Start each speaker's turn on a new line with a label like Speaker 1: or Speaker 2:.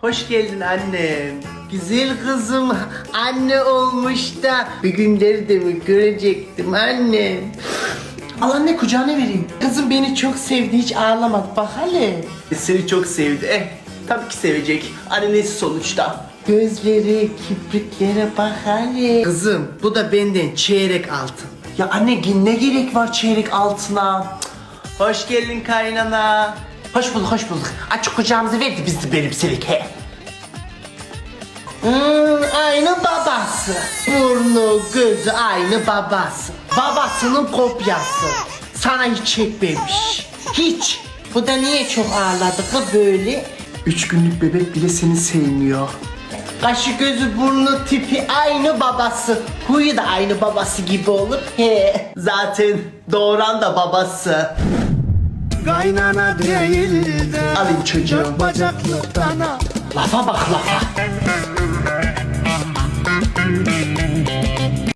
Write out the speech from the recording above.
Speaker 1: Hoş geldin annem. Güzel kızım anne olmuş da bir günleri de mi görecektim annem. Al anne kucağına vereyim. Kızım beni çok sevdi, hiç ağlamadı bak hele. Seni çok sevdi. Tabii ki sevecek. Annesi sonuçta. Gözleri, kipriklere bak hele. Kızım bu da benden çeyrek altın. Ya anne ne gerek var çeyrek altına? Hoş geldin kaynana. Hoş bulduk, hoş bulduk. Aç kucağımızı verdi biz de benimselik he. Aynı babası. Burnu, gözü aynı babası. Babasının kopyası. Sana hiç çekmemiş. Hiç. Bu da niye çok ağladı ki böyle? 3 günlük bebek bile seni sevmiyor. Kaşı gözü burnu tipi aynı babası. Huyu da aynı babası gibi olur. He. Zaten doğuran da babası.
Speaker 2: Kaynana değil de
Speaker 1: Alayım çocuğum.
Speaker 2: dört bacaklı dana.
Speaker 1: Lafa bak lafa.